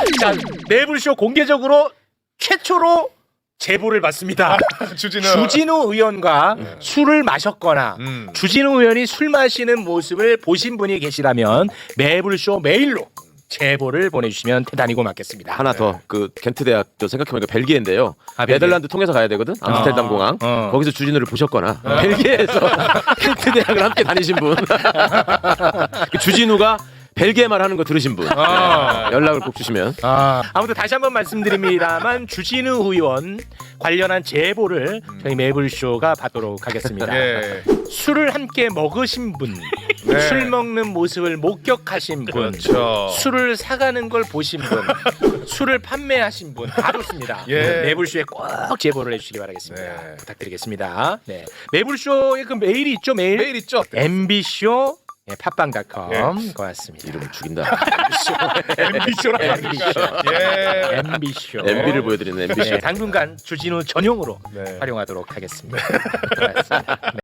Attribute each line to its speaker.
Speaker 1: 자, 매불쇼 공개적으로 최초로 제보를 받습니다. 주진우 의원과 술을 마셨거나 주진우 의원이 술 마시는 모습을 보신 분이 계시다면 매불쇼 메일로 제보를 보내주시면 대단히 고맙겠습니다.
Speaker 2: 하나 더 그 겐트 대학교 생각해보니까 벨기에인데요.
Speaker 1: 벨기에.
Speaker 2: 네덜란드 통해서 가야 되거든. 암스테르담 공항. 거기서 주진우를 보셨거나 벨기에에서 겐트 대학을 함께 다니신 분. 그 주진우가 벨기에 말 하는 거 들으신 분 연락을 꼭 주시면.
Speaker 1: 아무튼 다시 한번 말씀드립니다만 주진우 의원 관련한 제보를 저희 매불쇼가 받도록 하겠습니다. 술을 함께 먹으신 분, 술 먹는 모습을 목격하신 분, 술을 사가는 걸 보신 분, 술을 판매하신 분 다 좋습니다. 매불쇼에 꼭 제보를 해주시기 바라겠습니다. 부탁드리겠습니다. 네. 매불쇼의 그 메일이 있죠? 메일
Speaker 3: 있죠.
Speaker 1: mb쇼 팟빵.com 고맙습니다.
Speaker 2: 이름을 죽인다.
Speaker 1: MB쇼.
Speaker 2: MB를 보여드리는 MB쇼.
Speaker 1: 당분간 주진우 전용으로 활용하도록 하겠습니다. 고맙습니다.